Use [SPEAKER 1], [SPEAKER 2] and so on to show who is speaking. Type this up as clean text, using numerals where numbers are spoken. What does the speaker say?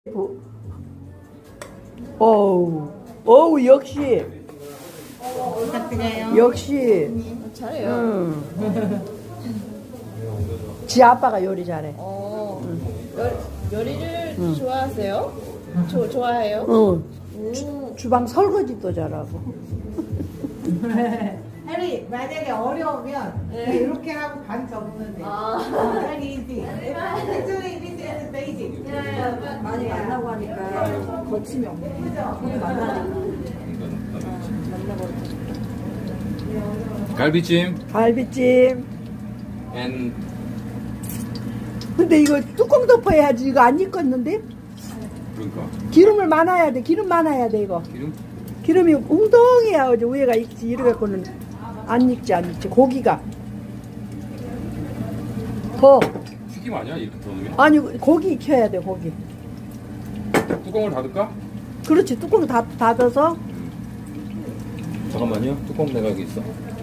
[SPEAKER 1] 어우, 역시.
[SPEAKER 2] 부탁드려요.
[SPEAKER 1] 역시.
[SPEAKER 2] 잘해요.
[SPEAKER 1] 지 아빠가 요리 잘해.
[SPEAKER 2] 요리를 좋아하세요? 좋아해요?
[SPEAKER 1] 주방 설거지도 잘하고.
[SPEAKER 3] 해리 만약에 어려우면 이렇게 하고 반 접으면 돼. Very easy. Actually, this is basic.
[SPEAKER 4] 많이 만나고 하니까 거침이 없네. 많이 만나니까.
[SPEAKER 5] 갈비찜
[SPEAKER 1] 갈비찜.
[SPEAKER 5] and
[SPEAKER 1] 근데 이거 뚜껑 덮어야지. 이거 안 익었는데?
[SPEAKER 5] 그러니까
[SPEAKER 1] 기름을 많아야 돼. 기름 많아야 돼, 이거.
[SPEAKER 5] 기름
[SPEAKER 1] 기름이 웅덩해야 어제 위에가 익지. 이래갖고는 안 익지, 안 익지. 고기가. 더.
[SPEAKER 5] 튀김 아니야 이렇게 넣으면?
[SPEAKER 1] 아니, 고기 익혀야 돼, 고기.
[SPEAKER 5] 뚜껑을 닫을까?
[SPEAKER 1] 그렇지. 뚜껑 닫아서.
[SPEAKER 5] 잠깐만요 뚜껑 내가 여기 있어